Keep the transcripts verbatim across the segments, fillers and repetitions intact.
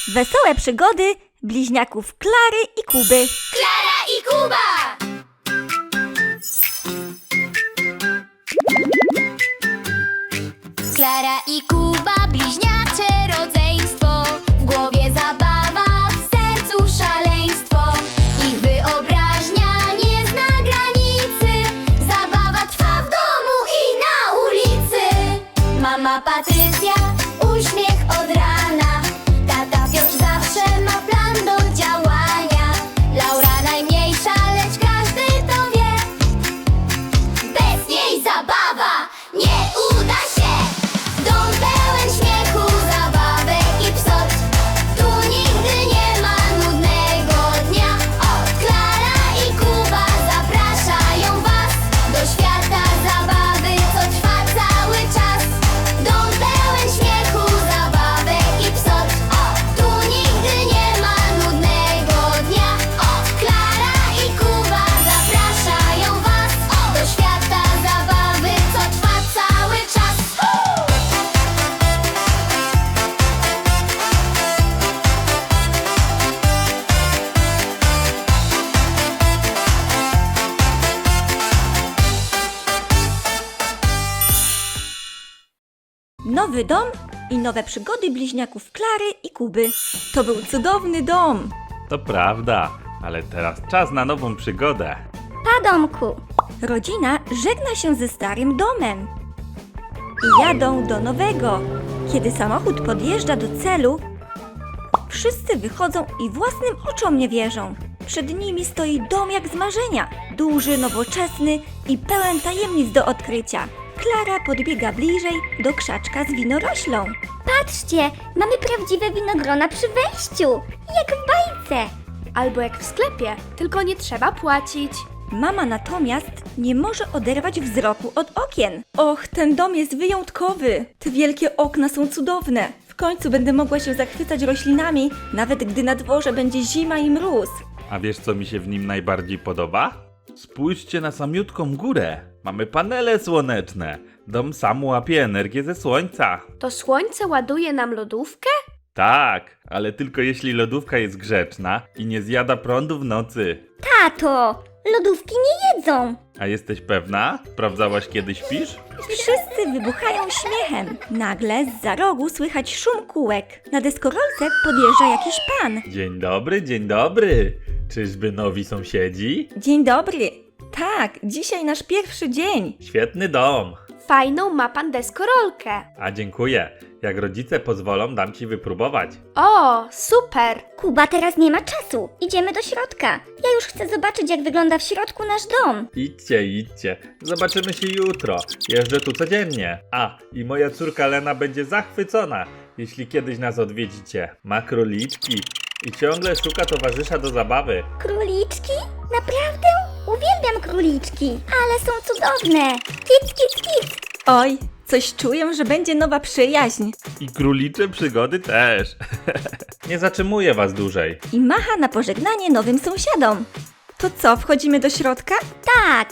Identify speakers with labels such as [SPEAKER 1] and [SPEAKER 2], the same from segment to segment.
[SPEAKER 1] Wesołe przygody bliźniaków Klary i Kuby.
[SPEAKER 2] Klara i Kuba! Klara i Kuba, bliźniacze rodzeństwo. W głowie zabawa, w sercu szaleństwo. Ich wyobraźnia nie zna granicy. Zabawa trwa w domu i na ulicy. Mama Patrycja, uśmiech od rana. Tata Piotr zawsze ma plan do działania. Laura najmniejsza, lecz każdy to wie. Bez niej zabawa nie uda się. Dom pełen śmiechu, zabawek i psot. Tu nigdy nie ma nudnego dnia. O, Klara i Kuba zapraszają was do świata zabawy, co trwa cały czas. Dom pełen śmiechu, zabawek i psot. O, tu nigdy nie ma nudnego dnia. O, Klara i Kuba zapraszają was do świata zabawy, co trwa cały czas.
[SPEAKER 1] Nowy dom i nowe przygody bliźniaków Klary i Kuby. To był cudowny dom.
[SPEAKER 3] To prawda, ale teraz czas na nową przygodę.
[SPEAKER 1] Pa, domku. Rodzina żegna się ze starym domem i jadą do nowego. Kiedy samochód podjeżdża do celu, wszyscy wychodzą i własnym oczom nie wierzą. Przed nimi stoi dom jak z marzenia. Duży, nowoczesny i pełen tajemnic do odkrycia. Klara podbiega bliżej do krzaczka z winoroślą.
[SPEAKER 4] Patrzcie, mamy prawdziwe winogrona przy wejściu, jak w bajce.
[SPEAKER 5] Albo jak w sklepie, tylko nie trzeba płacić.
[SPEAKER 1] Mama natomiast nie może oderwać wzroku od okien. Och, ten dom jest wyjątkowy. Te wielkie okna są cudowne. W końcu będę mogła się zachwycać roślinami, nawet gdy na dworze będzie zima i mróz.
[SPEAKER 3] A wiesz, co mi się w nim najbardziej podoba? Spójrzcie na samiutką górę. Mamy panele słoneczne. Dom sam łapie energię ze słońca.
[SPEAKER 5] To słońce ładuje nam lodówkę?
[SPEAKER 3] Tak, ale tylko jeśli lodówka jest grzeczna i nie zjada prądu w nocy.
[SPEAKER 4] Tato, lodówki nie jedzą.
[SPEAKER 3] A jesteś pewna? Sprawdzałaś, kiedy śpisz?
[SPEAKER 1] Wszyscy wybuchają śmiechem. Nagle zza rogu słychać szum kółek. Na deskorolce podjeżdża jakiś pan.
[SPEAKER 3] Dzień dobry, dzień dobry. Czyżby nowi sąsiedzi?
[SPEAKER 1] Dzień dobry. Tak, dzisiaj nasz pierwszy dzień.
[SPEAKER 3] Świetny dom.
[SPEAKER 5] Fajną ma pan deskorolkę.
[SPEAKER 3] A dziękuję. Jak rodzice pozwolą, dam ci wypróbować.
[SPEAKER 5] O, super!
[SPEAKER 4] Kuba teraz nie ma czasu, idziemy do środka. Ja już chcę zobaczyć, jak wygląda w środku nasz dom.
[SPEAKER 3] Idźcie, idźcie. Zobaczymy się jutro. Jeżdżę tu codziennie. A, i moja córka Lena będzie zachwycona, jeśli kiedyś nas odwiedzicie. Ma króliczki i ciągle szuka towarzysza do zabawy.
[SPEAKER 4] Króliczki? Naprawdę? Uwielbiam króliczki, ale są cudowne. Kic, kic, kic.
[SPEAKER 1] Oj, coś czuję, że będzie nowa przyjaźń.
[SPEAKER 3] I królicze przygody też. Nie zatrzymuję was dłużej.
[SPEAKER 1] I macha na pożegnanie nowym sąsiadom. To co, wchodzimy do środka?
[SPEAKER 4] Tak.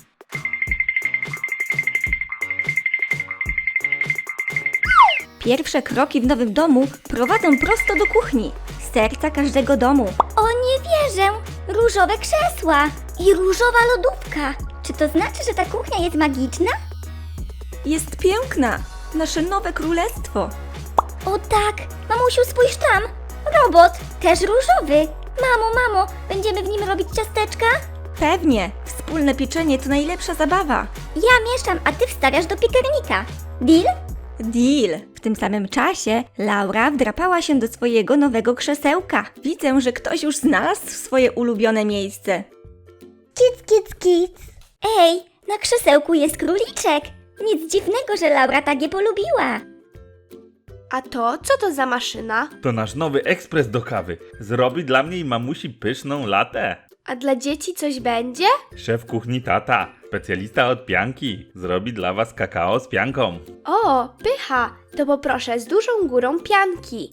[SPEAKER 1] Pierwsze kroki w nowym domu prowadzą prosto do kuchni, serca każdego domu.
[SPEAKER 4] O, nie wierzę. Różowe krzesła i różowa lodówka. Czy to znaczy, że ta kuchnia jest magiczna?
[SPEAKER 1] Jest piękna, nasze nowe królestwo.
[SPEAKER 4] O tak, mamusiu, spójrz tam. Robot, też różowy. Mamo, mamo, będziemy w nim robić ciasteczka?
[SPEAKER 1] Pewnie, wspólne pieczenie to najlepsza zabawa.
[SPEAKER 4] Ja mieszam, a ty wstawiasz do piekarnika. Deal?
[SPEAKER 1] Deal! W tym samym czasie Laura wdrapała się do swojego nowego krzesełka. Widzę, że ktoś już znalazł swoje ulubione miejsce.
[SPEAKER 4] Kic, kic, kic. Ej, na krzesełku jest króliczek. Nic dziwnego, że Laura tak je polubiła.
[SPEAKER 5] A to, co to za maszyna?
[SPEAKER 3] To nasz nowy ekspres do kawy. Zrobi dla mnie i mamusi pyszną latę.
[SPEAKER 5] A dla dzieci coś będzie?
[SPEAKER 3] Szef kuchni tata, specjalista od pianki, zrobi dla was kakao z pianką.
[SPEAKER 5] O, pycha! To poproszę z dużą górą pianki.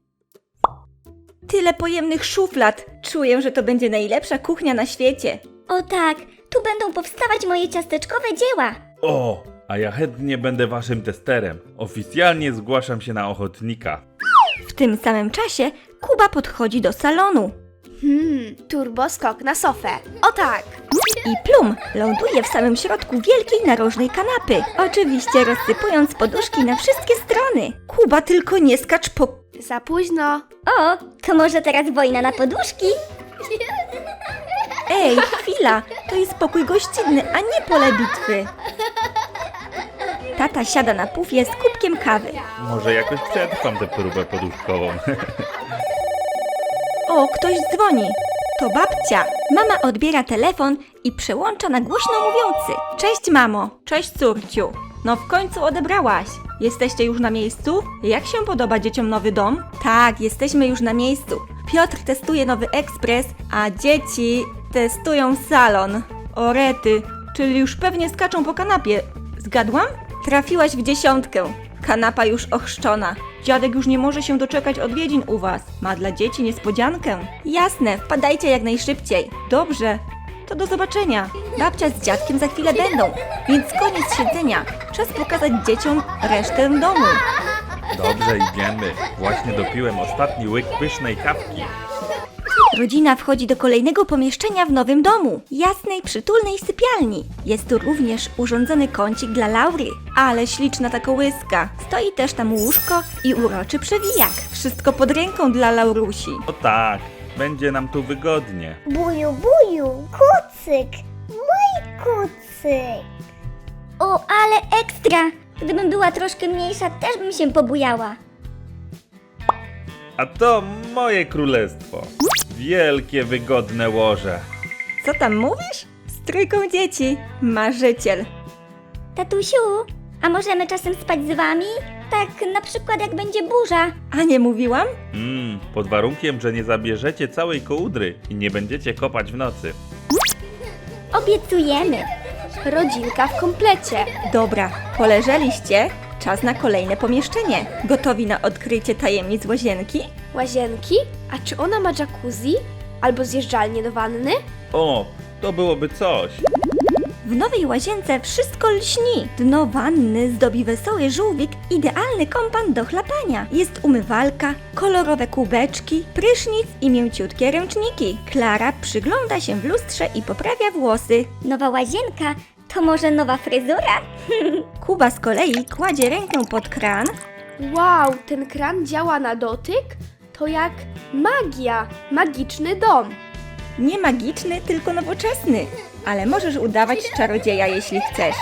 [SPEAKER 1] Tyle pojemnych szuflad. Czuję, że to będzie najlepsza kuchnia na świecie.
[SPEAKER 4] O tak, tu będą powstawać moje ciasteczkowe dzieła.
[SPEAKER 3] O, a ja chętnie będę waszym testerem. Oficjalnie zgłaszam się na ochotnika.
[SPEAKER 1] W tym samym czasie Kuba podchodzi do salonu
[SPEAKER 5] Hmm, turboskok na sofę. O tak!
[SPEAKER 1] i plum ląduje w samym środku wielkiej narożnej kanapy, oczywiście rozsypując poduszki na wszystkie strony. Kuba, tylko nie skacz po...
[SPEAKER 5] Za późno.
[SPEAKER 4] O, to może teraz wojna na poduszki?
[SPEAKER 1] Ej, chwila, to jest pokój gościnny, a nie pole bitwy. Tata siada na pufie z kubkiem kawy.
[SPEAKER 3] Może jakoś przetrwam tę próbę poduszkową.
[SPEAKER 1] O, ktoś dzwoni. To babcia. Mama odbiera telefon i przełącza na głośno mówiący. Cześć mamo, cześć córciu. No w końcu odebrałaś. Jesteście już na miejscu? Jak się podoba dzieciom nowy dom? Tak, jesteśmy już na miejscu. Piotr testuje nowy ekspres, a dzieci testują salon. O rety, czyli już pewnie skaczą po kanapie. Zgadłam? Trafiłaś w dziesiątkę. Kanapa już ochrzczona. Dziadek już nie może się doczekać odwiedzin u was. Ma dla dzieci niespodziankę. Jasne, wpadajcie jak najszybciej. Dobrze, to do zobaczenia. Babcia z dziadkiem za chwilę będą, więc koniec siedzenia. Czas pokazać dzieciom resztę domu.
[SPEAKER 3] Dobrze, idziemy. Właśnie dopiłem ostatni łyk pysznej kawki.
[SPEAKER 1] Rodzina wchodzi do kolejnego pomieszczenia w nowym domu. Jasnej, przytulnej sypialni. Jest tu również urządzony kącik dla Laury. Ale śliczna ta kołyska. Stoi też tam łóżko i uroczy przewijak. Wszystko pod ręką dla Laurusi.
[SPEAKER 3] O tak, będzie nam tu wygodnie.
[SPEAKER 4] Buju, buju, kucyk, mój kucyk. O, ale ekstra! Gdybym była troszkę mniejsza, też bym się pobujała.
[SPEAKER 3] A to moje królestwo. Wielkie, wygodne łoże.
[SPEAKER 1] Co tam mówisz? Z trójką dzieci. Marzyciel.
[SPEAKER 4] Tatusiu, a możemy czasem spać z wami? Tak na przykład jak będzie burza.
[SPEAKER 1] A nie mówiłam?
[SPEAKER 3] Mmm, pod warunkiem, że nie zabierzecie całej kołdry i nie będziecie kopać w nocy.
[SPEAKER 4] Obiecujemy.
[SPEAKER 5] Rodzinka w komplecie.
[SPEAKER 1] Dobra, poleżeliście. Czas na kolejne pomieszczenie. Gotowi na odkrycie tajemnic łazienki?
[SPEAKER 5] Łazienki? A czy ona ma jacuzzi? Albo zjeżdżalnię do wanny?
[SPEAKER 3] O, to byłoby coś.
[SPEAKER 1] W nowej łazience wszystko lśni. Dno wanny zdobi wesoły żółwik, idealny kompan do chlapania. Jest umywalka, kolorowe kubeczki, prysznic i mięciutkie ręczniki. Klara przygląda się w lustrze i poprawia włosy.
[SPEAKER 4] Nowa łazienka to może nowa fryzura?
[SPEAKER 1] Kuba z kolei kładzie rękę pod kran
[SPEAKER 5] Wow, ten kran działa na dotyk? To jak magia. Magiczny dom.
[SPEAKER 1] Nie magiczny, tylko nowoczesny. Ale możesz udawać czarodzieja, jeśli chcesz.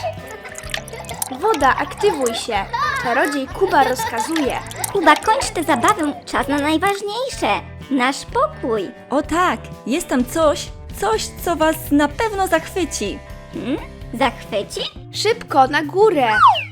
[SPEAKER 5] Woda, aktywuj się. Czarodziej Kuba rozkazuje.
[SPEAKER 4] Kuba, kończ tę zabawę, czas na najważniejsze. Nasz pokój.
[SPEAKER 1] O tak, jest tam coś, coś, co was na pewno zachwyci.
[SPEAKER 4] Hmm? Zachwyci?
[SPEAKER 5] Szybko, na górę.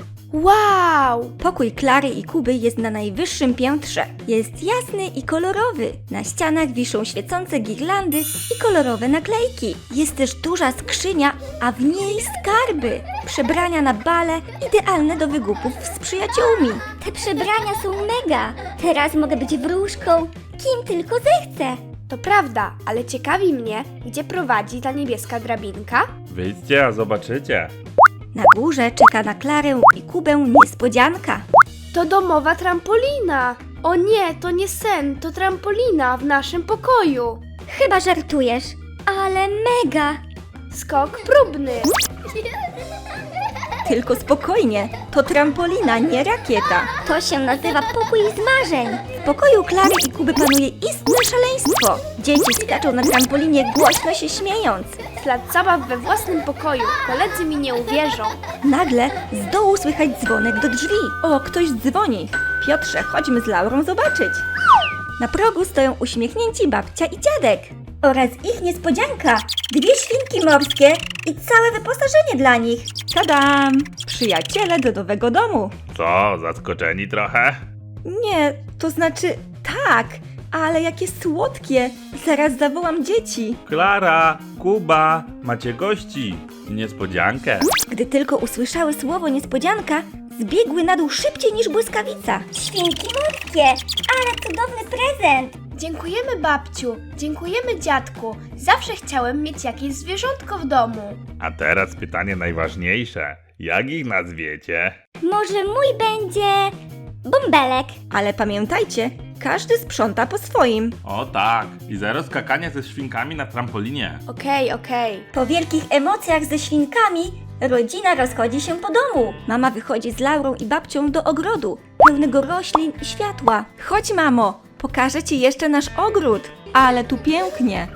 [SPEAKER 5] Wow!
[SPEAKER 1] Pokój Klary i Kuby jest na najwyższym piętrze. Jest jasny i kolorowy. Na ścianach wiszą świecące girlandy i kolorowe naklejki. Jest też duża skrzynia, a w niej skarby. Przebrania na bale, idealne do wygupów z przyjaciółmi.
[SPEAKER 4] Te przebrania są mega. Teraz mogę być wróżką, kim tylko zechcę.
[SPEAKER 5] To prawda, ale ciekawi mnie, gdzie prowadzi ta niebieska drabinka?
[SPEAKER 3] Wyjdźcie, a zobaczycie.
[SPEAKER 1] Na górze czeka na Klarę i Kubę niespodzianka.
[SPEAKER 5] To domowa trampolina. O nie, to nie sen, to trampolina w naszym pokoju.
[SPEAKER 4] Chyba żartujesz, ale mega.
[SPEAKER 5] Skok próbny.
[SPEAKER 1] Tylko spokojnie, to trampolina, nie rakieta.
[SPEAKER 4] To się nazywa pokój z marzeń.
[SPEAKER 1] W pokoju Klary i Kuby panuje istne szaleństwo. Dzieci skaczą na trampolinie, głośno się śmiejąc.
[SPEAKER 5] Ślad zabaw we własnym pokoju. Koledzy mi nie uwierzą.
[SPEAKER 1] Nagle z dołu słychać dzwonek do drzwi. O, ktoś dzwoni. Piotrze, chodźmy z Laurą zobaczyć. Na progu stoją uśmiechnięci babcia i dziadek. Oraz ich niespodzianka. Dwie świnki morskie i całe wyposażenie dla nich. Tadam! Przyjaciele do nowego domu.
[SPEAKER 3] Co, zaskoczeni trochę?
[SPEAKER 1] Nie, to znaczy tak, ale jakie słodkie. Zaraz zawołam dzieci.
[SPEAKER 3] Klara, Kuba, macie gości. Niespodziankę.
[SPEAKER 1] Gdy tylko usłyszały słowo niespodzianka, zbiegły na dół szybciej niż błyskawica.
[SPEAKER 4] Świnki morskie, ale cudowny prezent.
[SPEAKER 5] Dziękujemy babciu, dziękujemy dziadku. Zawsze chciałem mieć jakieś zwierzątko w domu.
[SPEAKER 3] A teraz pytanie najważniejsze. Jak ich nazwiecie?
[SPEAKER 4] Może mój będzie bąbelek.
[SPEAKER 1] Ale pamiętajcie, każdy sprząta po swoim.
[SPEAKER 3] O tak, i zero skakania ze świnkami na trampolinie.
[SPEAKER 5] Okej, okej.
[SPEAKER 1] Po wielkich emocjach ze świnkami rodzina rozchodzi się po domu. Mama wychodzi z Laurą i babcią do ogrodu, pełnego roślin i światła. Chodź, mamo, pokażę ci jeszcze nasz ogród. Ale tu pięknie.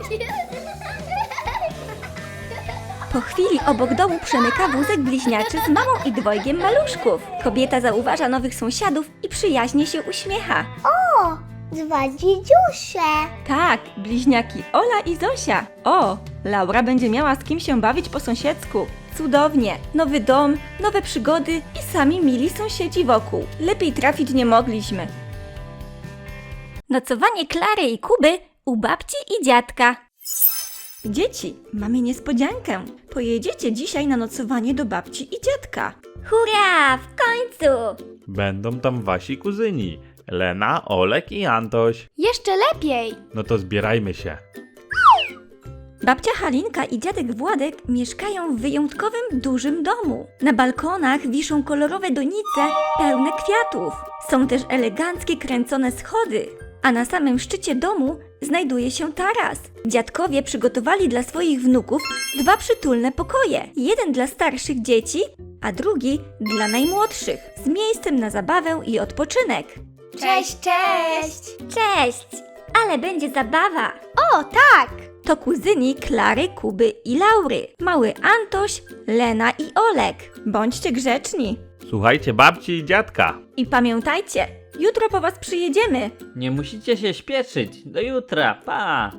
[SPEAKER 1] Po chwili obok domu przemyka wózek bliźniaczy z mamą i dwojgiem maluszków. Kobieta zauważa nowych sąsiadów i przyjaźnie się uśmiecha.
[SPEAKER 4] O, dwa dziedziusie.
[SPEAKER 1] Tak, bliźniaki Ola i Zosia. O, Laura będzie miała z kim się bawić po sąsiedzku. Cudownie. Nowy dom, nowe przygody i sami mili sąsiedzi wokół. Lepiej trafić nie mogliśmy. Nocowanie Klary i Kuby u babci i dziadka. Dzieci, mamy niespodziankę. Pojedziecie dzisiaj na nocowanie do babci i dziadka.
[SPEAKER 4] Hurra, w końcu.
[SPEAKER 3] Będą tam wasi kuzyni. Lena, Olek i Antoś.
[SPEAKER 5] Jeszcze lepiej.
[SPEAKER 3] No to zbierajmy się.
[SPEAKER 1] Babcia Halinka i dziadek Władek mieszkają w wyjątkowym, dużym domu. Na balkonach wiszą kolorowe donice pełne kwiatów. Są też eleganckie kręcone schody, a na samym szczycie domu znajduje się taras. Dziadkowie przygotowali dla swoich wnuków dwa przytulne pokoje. Jeden dla starszych dzieci, a drugi dla najmłodszych, z miejscem na zabawę i odpoczynek.
[SPEAKER 5] Cześć, cześć.
[SPEAKER 4] Cześć, ale będzie zabawa.
[SPEAKER 5] O, tak.
[SPEAKER 1] To kuzyni Klary, Kuby i Laury. Mały Antoś, Lena i Olek. Bądźcie grzeczni.
[SPEAKER 3] Słuchajcie babci i dziadka.
[SPEAKER 1] I pamiętajcie, jutro po was przyjedziemy.
[SPEAKER 6] Nie musicie się śpieszyć. Do jutra. Pa!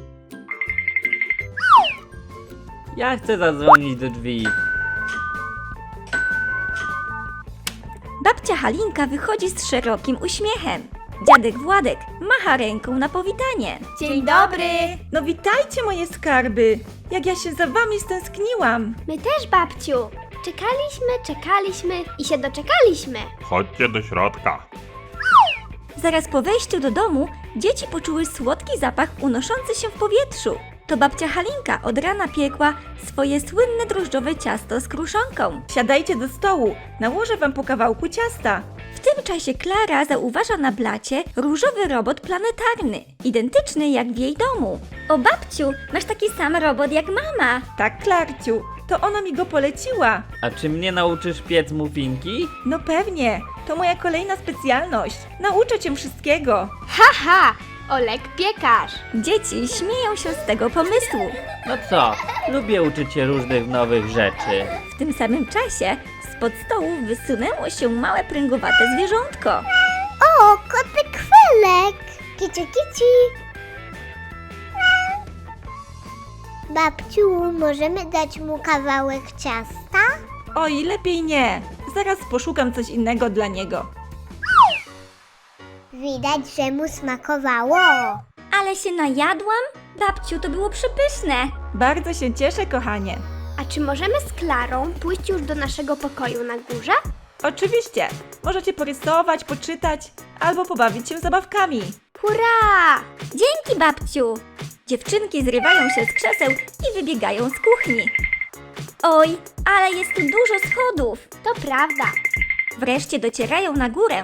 [SPEAKER 6] Ja chcę zadzwonić do drzwi.
[SPEAKER 1] Babcia Halinka wychodzi z szerokim uśmiechem. Dziadek Władek macha ręką na powitanie.
[SPEAKER 5] Dzień dobry.
[SPEAKER 1] No witajcie moje skarby. Jak ja się za wami stęskniłam.
[SPEAKER 5] My też, babciu. Czekaliśmy, czekaliśmy i się doczekaliśmy.
[SPEAKER 3] Chodźcie do środka.
[SPEAKER 1] Zaraz po wejściu do domu dzieci poczuły słodki zapach unoszący się w powietrzu. To babcia Halinka od rana piekła swoje słynne drożdżowe ciasto z kruszonką. Siadajcie do stołu, nałożę wam po kawałku ciasta. W tym czasie Klara zauważa na blacie różowy robot planetarny, identyczny jak w jej domu.
[SPEAKER 4] O babciu, masz taki sam robot jak mama.
[SPEAKER 1] Tak, Klarciu, to ona mi go poleciła.
[SPEAKER 6] A czy mnie nauczysz piec muffinki?
[SPEAKER 1] No pewnie, to moja kolejna specjalność. Nauczę cię wszystkiego.
[SPEAKER 5] Haha, Olek piekarz.
[SPEAKER 1] Dzieci śmieją się z tego pomysłu.
[SPEAKER 6] No co? Lubię uczyć się różnych nowych rzeczy.
[SPEAKER 1] W tym samym czasie spod stołu wysunęło się małe pręgowate zwierzątko.
[SPEAKER 4] O, kotek Felek. Kici, kici. Babciu, możemy dać mu kawałek ciasta?
[SPEAKER 1] Oj, lepiej nie. Zaraz poszukam coś innego dla niego.
[SPEAKER 4] Widać, że mu smakowało. Ale się najadłam? Babciu, to było przepyszne.
[SPEAKER 1] Bardzo się cieszę, kochanie.
[SPEAKER 5] A czy możemy z Klarą pójść już do naszego pokoju na górze?
[SPEAKER 1] Oczywiście, możecie porysować, poczytać albo pobawić się zabawkami.
[SPEAKER 5] Hurra!
[SPEAKER 4] Dzięki, babciu.
[SPEAKER 1] Dziewczynki zrywają się z krzeseł i wybiegają z kuchni.
[SPEAKER 4] Oj, ale jest tu dużo schodów.
[SPEAKER 5] To prawda.
[SPEAKER 1] Wreszcie docierają na górę.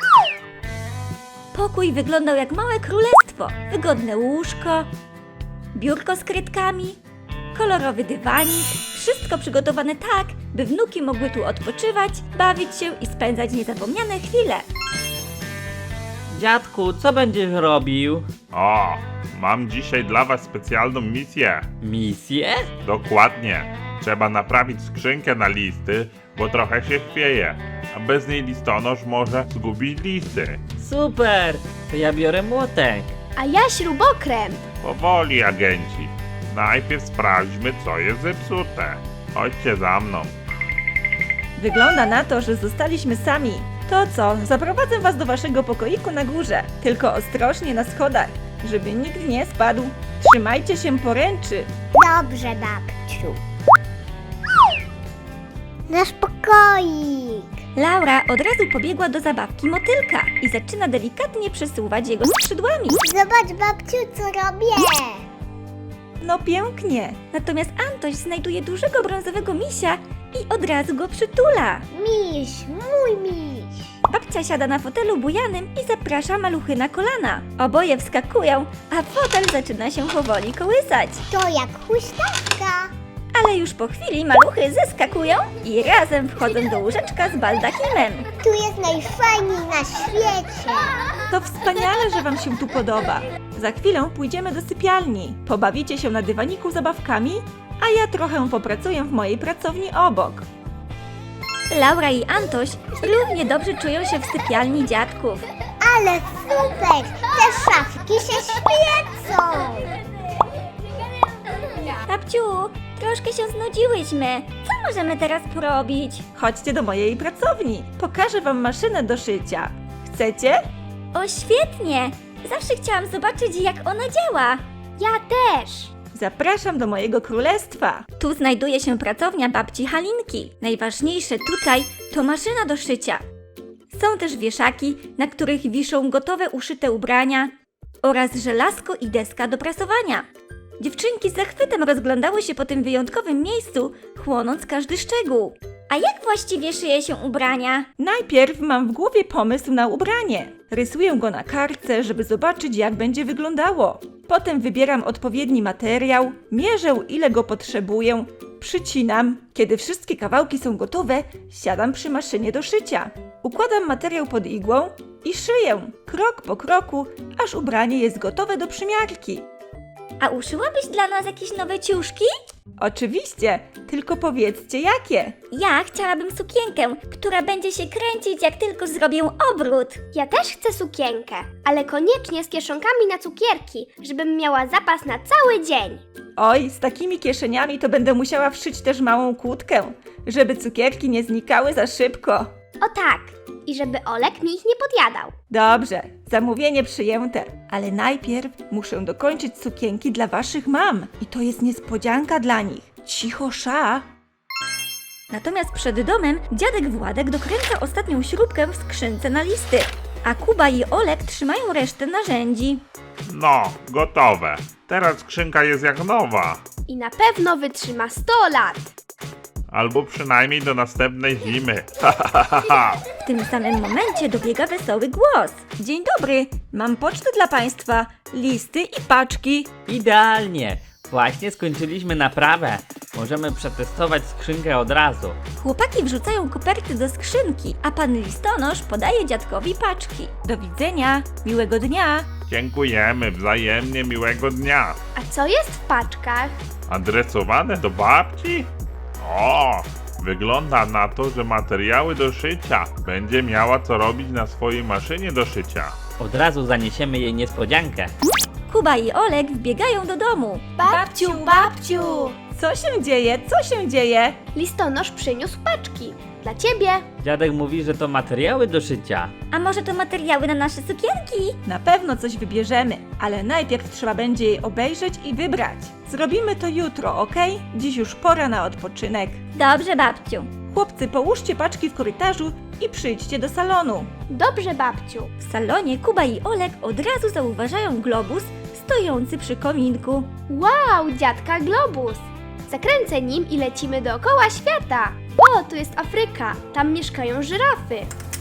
[SPEAKER 1] Pokój wyglądał jak małe królestwo. Wygodne łóżko, biurko z krytkami, kolorowy dywanik. Wszystko przygotowane tak, by wnuki mogły tu odpoczywać, bawić się i spędzać niezapomniane chwile.
[SPEAKER 6] Dziadku, co będziesz robił?
[SPEAKER 3] O, mam dzisiaj dla was specjalną misję.
[SPEAKER 6] Misję?
[SPEAKER 3] Dokładnie. Trzeba naprawić skrzynkę na listy, bo trochę się chwieje. A bez niej listonosz może zgubić listy.
[SPEAKER 6] Super! To ja biorę młotek.
[SPEAKER 5] A ja śrubokręt.
[SPEAKER 3] Powoli, agenci. Najpierw sprawdźmy, co jest zepsute. Chodźcie za mną.
[SPEAKER 1] Wygląda na to, że zostaliśmy sami. To co, zaprowadzę was do waszego pokoiku na górze. Tylko ostrożnie na schodach, żeby nikt nie spadł. Trzymajcie się poręczy.
[SPEAKER 4] Dobrze, babciu. Nasz pokoik.
[SPEAKER 1] Laura od razu pobiegła do zabawki motylka i zaczyna delikatnie przesuwać jego skrzydłami.
[SPEAKER 4] Zobacz, babciu, co robię.
[SPEAKER 1] No pięknie. Natomiast Antoś znajduje dużego brązowego misia i od razu go przytula.
[SPEAKER 4] Miś, mój miś.
[SPEAKER 1] Babcia siada na fotelu bujanym i zaprasza maluchy na kolana. Oboje wskakują, a fotel zaczyna się powoli kołysać.
[SPEAKER 4] To jak huśtawka.
[SPEAKER 1] Ale już po chwili maluchy zeskakują i razem wchodzą do łóżeczka z baldachimem.
[SPEAKER 4] Tu jest najfajniej na świecie.
[SPEAKER 7] To wspaniale, że Wam się tu podoba. Za chwilę pójdziemy do sypialni. Pobawicie się na dywaniku zabawkami, a ja trochę popracuję w mojej pracowni obok.
[SPEAKER 1] Laura i Antoś równie dobrze czują się w sypialni dziadków.
[SPEAKER 4] Ale super! Te szafki się świecą.
[SPEAKER 1] Babciu, troszkę się znudziłyśmy. Co możemy teraz porobić?
[SPEAKER 7] Chodźcie do mojej pracowni. Pokażę Wam maszynę do szycia. Chcecie?
[SPEAKER 1] O, świetnie! Zawsze chciałam zobaczyć, jak ona działa.
[SPEAKER 5] Ja też.
[SPEAKER 7] Zapraszam do mojego królestwa.
[SPEAKER 1] Tu znajduje się pracownia babci Halinki. Najważniejsze tutaj to maszyna do szycia. Są też wieszaki, na których wiszą gotowe uszyte ubrania oraz żelazko i deska do prasowania. Dziewczynki z zachwytem rozglądały się po tym wyjątkowym miejscu, chłonąc każdy szczegół. A jak właściwie szyje się ubrania?
[SPEAKER 7] Najpierw mam w głowie pomysł na ubranie. Rysuję go na kartce, żeby zobaczyć, jak będzie wyglądało. Potem wybieram odpowiedni materiał, mierzę, ile go potrzebuję, przycinam. Kiedy wszystkie kawałki są gotowe, siadam przy maszynie do szycia. Układam materiał pod igłą i szyję, krok po kroku, aż ubranie jest gotowe do przymiarki.
[SPEAKER 1] A uszyłabyś dla nas jakieś nowe ciuszki?
[SPEAKER 7] Oczywiście, tylko powiedzcie jakie.
[SPEAKER 1] Ja chciałabym sukienkę, która będzie się kręcić, jak tylko zrobię obrót.
[SPEAKER 5] Ja też chcę sukienkę, ale koniecznie z kieszonkami na cukierki, żebym miała zapas na cały dzień.
[SPEAKER 7] Oj, z takimi kieszeniami to będę musiała wszyć też małą kłódkę, żeby cukierki nie znikały za szybko.
[SPEAKER 5] O tak, i żeby Olek mi ich nie podjadał.
[SPEAKER 7] Dobrze, zamówienie przyjęte, ale najpierw muszę dokończyć sukienki dla waszych mam i to jest niespodzianka dla nich. Cicho, sza!
[SPEAKER 1] Natomiast przed domem dziadek Władek dokręca ostatnią śrubkę w skrzynce na listy, a Kuba i Olek trzymają resztę narzędzi.
[SPEAKER 3] No, gotowe. Teraz skrzynka jest jak nowa.
[SPEAKER 5] I na pewno wytrzyma sto lat.
[SPEAKER 3] Albo przynajmniej do następnej zimy. Ha, ha, ha, ha.
[SPEAKER 1] W tym samym momencie dobiega wesoły głos.
[SPEAKER 7] Dzień dobry, mam pocztę dla państwa, listy i paczki.
[SPEAKER 6] Idealnie! Właśnie skończyliśmy naprawę. Możemy przetestować skrzynkę od razu.
[SPEAKER 1] Chłopaki wrzucają koperty do skrzynki, a pan listonosz podaje dziadkowi paczki.
[SPEAKER 7] Do widzenia, miłego dnia.
[SPEAKER 3] Dziękujemy, wzajemnie miłego dnia.
[SPEAKER 5] A co jest w paczkach?
[SPEAKER 3] Adresowane do babci? O, wygląda na to, że materiały do szycia. Będzie miała co robić na swojej maszynie do szycia.
[SPEAKER 6] Od razu zaniesiemy jej niespodziankę.
[SPEAKER 1] Kuba i Olek wbiegają do domu.
[SPEAKER 5] Babciu, babciu!
[SPEAKER 7] Co się dzieje? Co się dzieje?
[SPEAKER 5] Listonosz przyniósł paczki. Dla ciebie.
[SPEAKER 6] Dziadek mówi, że to materiały do szycia.
[SPEAKER 1] A może to materiały na nasze sukienki?
[SPEAKER 7] Na pewno coś wybierzemy, ale najpierw trzeba będzie jej obejrzeć i wybrać. Zrobimy to jutro, ok? Dziś już pora na odpoczynek.
[SPEAKER 1] Dobrze, babciu.
[SPEAKER 7] Chłopcy, połóżcie paczki w korytarzu i przyjdźcie do salonu.
[SPEAKER 5] Dobrze, babciu.
[SPEAKER 1] W salonie Kuba i Olek od razu zauważają globus stojący przy kominku.
[SPEAKER 5] Wow, dziadka globus. Zakręcę nim i lecimy dookoła świata. O, tu jest Afryka. Tam mieszkają żyrafy.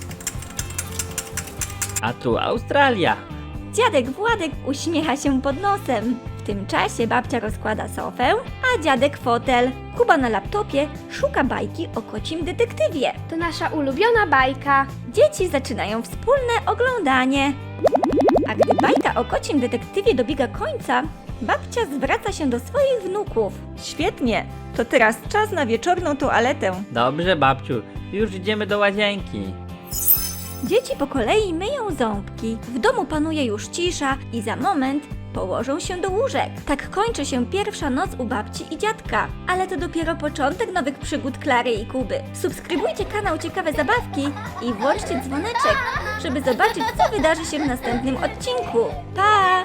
[SPEAKER 6] A tu Australia.
[SPEAKER 1] Dziadek Władek uśmiecha się pod nosem. W tym czasie babcia rozkłada sofę, a dziadek fotel. Kuba na laptopie szuka bajki o kocim detektywie.
[SPEAKER 5] To nasza ulubiona bajka.
[SPEAKER 1] Dzieci zaczynają wspólne oglądanie. A gdy bajka o kocim detektywie dobiega końca, babcia zwraca się do swoich wnuków.
[SPEAKER 7] Świetnie, to teraz czas na wieczorną toaletę.
[SPEAKER 6] Dobrze, babciu. Już idziemy do łazienki.
[SPEAKER 1] Dzieci po kolei myją ząbki. W domu panuje już cisza i za moment położą się do łóżek. Tak kończy się pierwsza noc u babci i dziadka. Ale to dopiero początek nowych przygód Klary i Kuby. Subskrybujcie kanał Ciekawe Zabawki i włączcie dzwoneczek, żeby zobaczyć, co wydarzy się w następnym odcinku. Pa!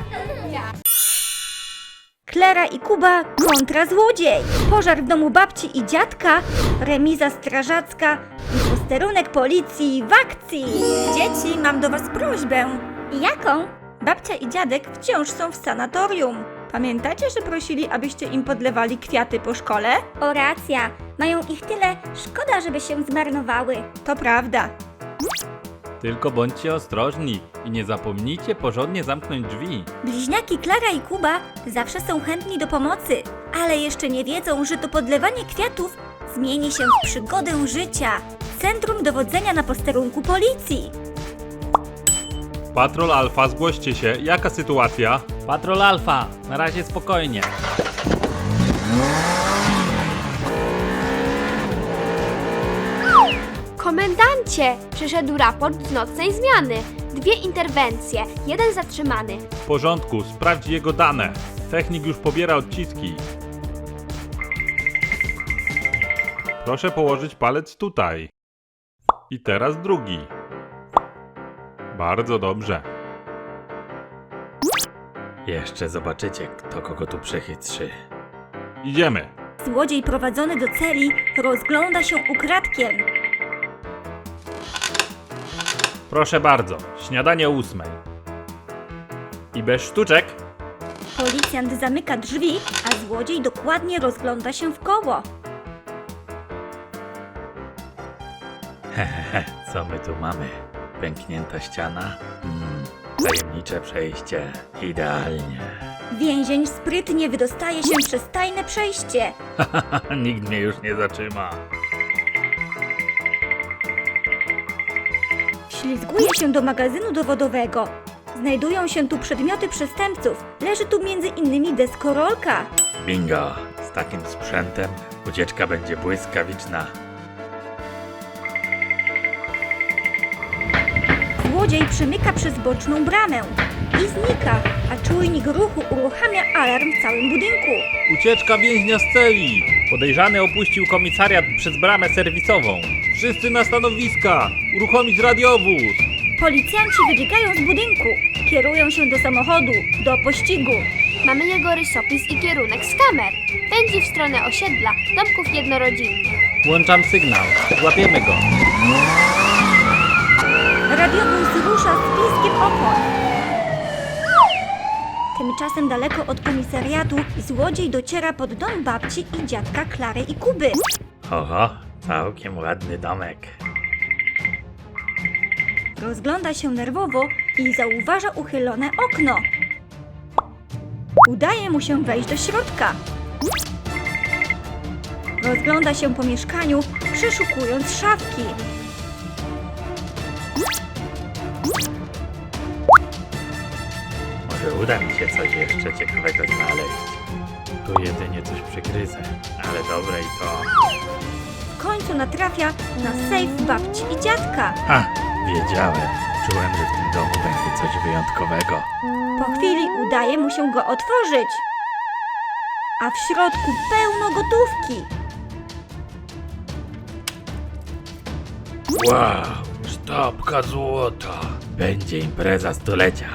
[SPEAKER 1] Klara i Kuba kontra złodziej. Pożar w domu babci i dziadka, remiza strażacka i posterunek policji w akcji.
[SPEAKER 7] Dzieci, mam do was prośbę.
[SPEAKER 1] Jaką?
[SPEAKER 7] Babcia i dziadek wciąż są w sanatorium. Pamiętacie, że prosili, abyście im podlewali kwiaty po szkole?
[SPEAKER 1] O, racja. Mają ich tyle, szkoda, żeby się zmarnowały.
[SPEAKER 7] To prawda.
[SPEAKER 3] Tylko bądźcie ostrożni i nie zapomnijcie porządnie zamknąć drzwi.
[SPEAKER 1] Bliźniaki Klara i Kuba zawsze są chętni do pomocy, ale jeszcze nie wiedzą, że to podlewanie kwiatów zmieni się w przygodę życia. Centrum dowodzenia na posterunku policji.
[SPEAKER 3] Patrol Alfa, zgłoście się. Jaka sytuacja?
[SPEAKER 6] Patrol Alfa, na razie spokojnie.
[SPEAKER 5] Komendancie! Przyszedł raport z nocnej zmiany. Dwie interwencje, jeden zatrzymany.
[SPEAKER 3] W porządku, sprawdź jego dane. Technik już pobiera odciski. Proszę położyć palec tutaj. I teraz drugi. Bardzo dobrze.
[SPEAKER 6] Jeszcze zobaczycie, kto kogo tu przechytrzy.
[SPEAKER 3] Idziemy.
[SPEAKER 1] Złodziej prowadzony do celi rozgląda się ukradkiem.
[SPEAKER 3] Proszę bardzo, śniadanie o ósmej. I bez sztuczek.
[SPEAKER 1] Policjant zamyka drzwi, a złodziej dokładnie rozgląda się w koło.
[SPEAKER 6] Hehehe, co my tu mamy? Pęknięta ściana? Mm, tajemnicze przejście. Idealnie.
[SPEAKER 1] Więzień sprytnie wydostaje się przez tajne przejście.
[SPEAKER 3] Nikt mnie już nie zatrzyma.
[SPEAKER 1] Ślizguje się do magazynu dowodowego. Znajdują się tu przedmioty przestępców. Leży tu między innymi deskorolka.
[SPEAKER 6] Bingo! Z takim sprzętem ucieczka będzie błyskawiczna.
[SPEAKER 1] Złodziej przemyka przez boczną bramę i znika, a czujnik ruchu uruchamia alarm w całym budynku.
[SPEAKER 3] Ucieczka więźnia z celi. Podejrzany opuścił komisariat przez bramę serwisową. Wszyscy na stanowiska. Uruchomić radiowóz.
[SPEAKER 1] Policjanci wybiegają z budynku. Kierują się do samochodu, do pościgu.
[SPEAKER 5] Mamy jego rysopis i kierunek z kamer. Pędzi w stronę osiedla, domków jednorodzinnych.
[SPEAKER 6] Włączam sygnał. Złapiemy go.
[SPEAKER 1] Radiowóz rusza z piskiem opon. Tymczasem daleko od komisariatu złodziej dociera pod dom babci i dziadka Klary i Kuby.
[SPEAKER 6] Oho, całkiem ładny domek.
[SPEAKER 1] Rozgląda się nerwowo i zauważa uchylone okno. Udaje mu się wejść do środka. Rozgląda się po mieszkaniu, przeszukując szafki.
[SPEAKER 6] Może uda mi się coś jeszcze ciekawego znaleźć. Tu jedynie coś przygryzę, ale dobre i to...
[SPEAKER 1] W końcu natrafia na sejf babci i dziadka.
[SPEAKER 6] Ha! Wiedziałem. Czułem, że w tym domu będzie coś wyjątkowego.
[SPEAKER 1] Po chwili udaje mu się go otworzyć. A w środku pełno gotówki.
[SPEAKER 6] Wow! Sztabka złota! Będzie impreza stulecia.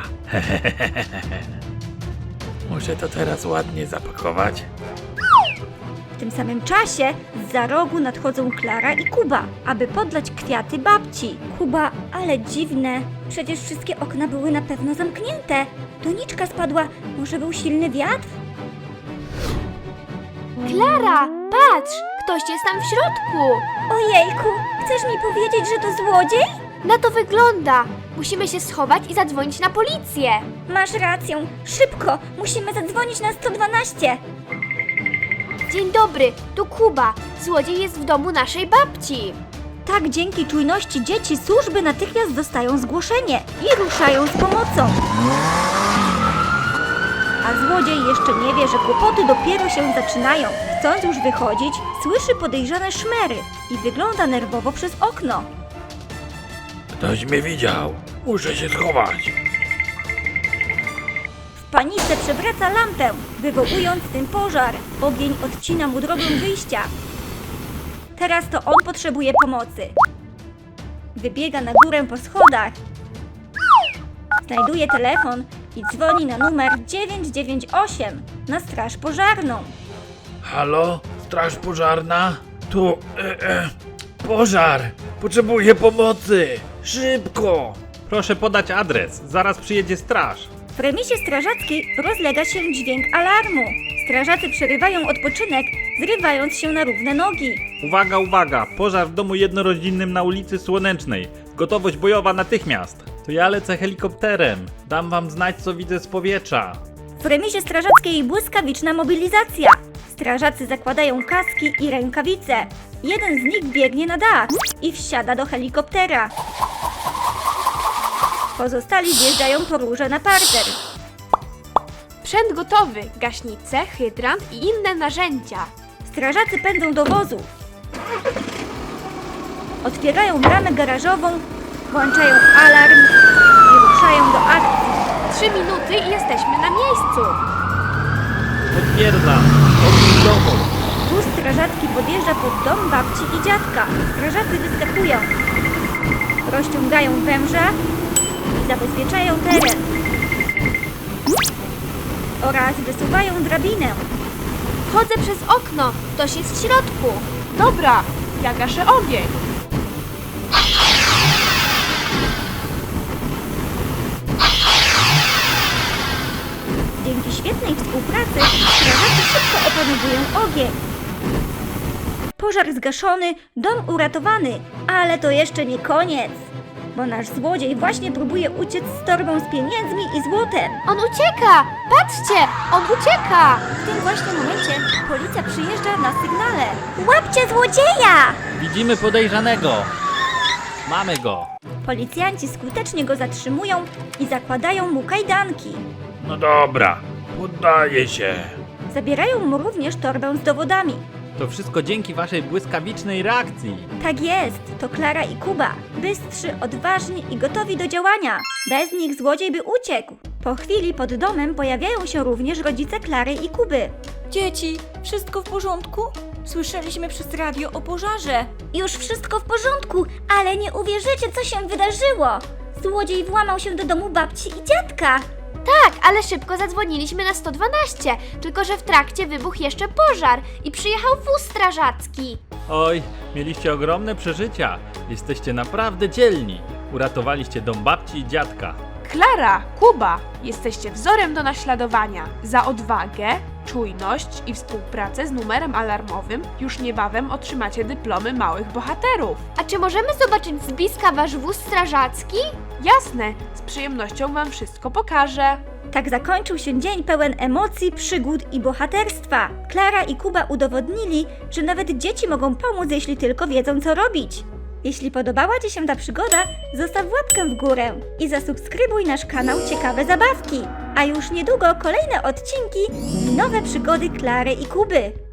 [SPEAKER 6] Muszę to teraz ładnie zapakować.
[SPEAKER 1] W tym samym czasie zza rogu nadchodzą Klara i Kuba, aby podlać kwiaty babci. Kuba, ale dziwne. Przecież wszystkie okna były na pewno zamknięte. Doniczka spadła. Może był silny wiatr?
[SPEAKER 5] Klara, patrz! Ktoś jest tam w środku!
[SPEAKER 1] Ojejku, chcesz mi powiedzieć, że to złodziej?
[SPEAKER 5] Na to wygląda! Musimy się schować i zadzwonić na policję!
[SPEAKER 1] Masz rację. Szybko, musimy zadzwonić na sto dwanaście.
[SPEAKER 5] Dzień dobry, tu Kuba. Złodziej jest w domu naszej babci.
[SPEAKER 1] Tak, dzięki czujności dzieci służby natychmiast dostają zgłoszenie i ruszają z pomocą. A złodziej jeszcze nie wie, że kłopoty dopiero się zaczynają. Chcąc już wychodzić, słyszy podejrzane szmery i wygląda nerwowo przez okno.
[SPEAKER 6] Ktoś mnie widział. Muszę się schować.
[SPEAKER 1] W panice przewraca lampę, wywołując tym pożar. Ogień odcina mu drogę wyjścia. Teraz to on potrzebuje pomocy. Wybiega na górę po schodach. Znajduje telefon i dzwoni na numer dziewięć dziewięć osiem na straż pożarną.
[SPEAKER 6] Halo? Straż pożarna? Tu... E, e, pożar! Potrzebuję pomocy! Szybko!
[SPEAKER 3] Proszę podać adres. Zaraz przyjedzie straż.
[SPEAKER 1] W remisie strażackiej rozlega się dźwięk alarmu. Strażacy przerywają odpoczynek, zrywając się na równe nogi.
[SPEAKER 3] Uwaga, uwaga! Pożar w domu jednorodzinnym na ulicy Słonecznej. Gotowość bojowa natychmiast. To ja lecę helikopterem. Dam wam znać, co widzę z powietrza.
[SPEAKER 1] W remizie strażackiej błyskawiczna mobilizacja. Strażacy zakładają kaski i rękawice. Jeden z nich biegnie na dach i wsiada do helikoptera. Pozostali wjeżdżają po róże na parter.
[SPEAKER 5] Sprzęt gotowy, gaśnice, hydrant i inne narzędzia.
[SPEAKER 1] Strażacy pędzą do wozu. Otwierają bramę garażową, włączają alarm i ruszają do akcji.
[SPEAKER 5] Trzy minuty i jesteśmy na miejscu.
[SPEAKER 3] Potwierdzam. Ogień dowód.
[SPEAKER 1] Wóz strażacki podjeżdża pod dom babci i dziadka. Strażacy wyskakują. Rozciągają węża i zabezpieczają teren. Oraz wysuwają drabinę.
[SPEAKER 5] Wchodzę przez okno, ktoś jest w środku. Dobra, ja gaszę ogień.
[SPEAKER 1] Dzięki świetnej współpracy strażacy szybko opanowują ogień. Pożar zgaszony, dom uratowany, ale to jeszcze nie koniec. Bo nasz złodziej właśnie próbuje uciec z torbą z pieniędzmi i złotem.
[SPEAKER 5] On ucieka! Patrzcie, on ucieka!
[SPEAKER 1] W tym właśnie momencie policja przyjeżdża na sygnale. Łapcie złodzieja!
[SPEAKER 3] Widzimy podejrzanego. Mamy go.
[SPEAKER 1] Policjanci skutecznie go zatrzymują i zakładają mu kajdanki.
[SPEAKER 3] No dobra, poddaję się.
[SPEAKER 1] Zabierają mu również torbę z dowodami.
[SPEAKER 3] To wszystko dzięki waszej błyskawicznej reakcji.
[SPEAKER 1] Tak jest, to Klara i Kuba. Bystrzy, odważni i gotowi do działania. Bez nich złodziej by uciekł. Po chwili pod domem pojawiają się również rodzice Klary i Kuby.
[SPEAKER 7] Dzieci, wszystko w porządku? Słyszeliśmy przez radio o pożarze.
[SPEAKER 4] Już wszystko w porządku, ale nie uwierzycie, co się wydarzyło. Złodziej włamał się do domu babci i dziadka.
[SPEAKER 5] Tak, ale szybko zadzwoniliśmy na sto dwanaście, tylko że w trakcie wybuchł jeszcze pożar i przyjechał wóz strażacki.
[SPEAKER 3] Oj, mieliście ogromne przeżycia. Jesteście naprawdę dzielni. Uratowaliście dom babci i dziadka.
[SPEAKER 8] Klara, Kuba, jesteście wzorem do naśladowania. Za odwagę, czujność i współpracę z numerem alarmowym już niebawem otrzymacie dyplomy małych bohaterów.
[SPEAKER 5] A czy możemy zobaczyć z bliska wasz wóz strażacki?
[SPEAKER 8] Jasne, z przyjemnością wam wszystko pokażę.
[SPEAKER 1] Tak zakończył się dzień pełen emocji, przygód i bohaterstwa. Klara i Kuba udowodnili, że nawet dzieci mogą pomóc, jeśli tylko wiedzą, co robić. Jeśli podobała Ci się ta przygoda, zostaw łapkę w górę i zasubskrybuj nasz kanał Ciekawe Zabawki. A już niedługo kolejne odcinki i nowe przygody Klary i Kuby.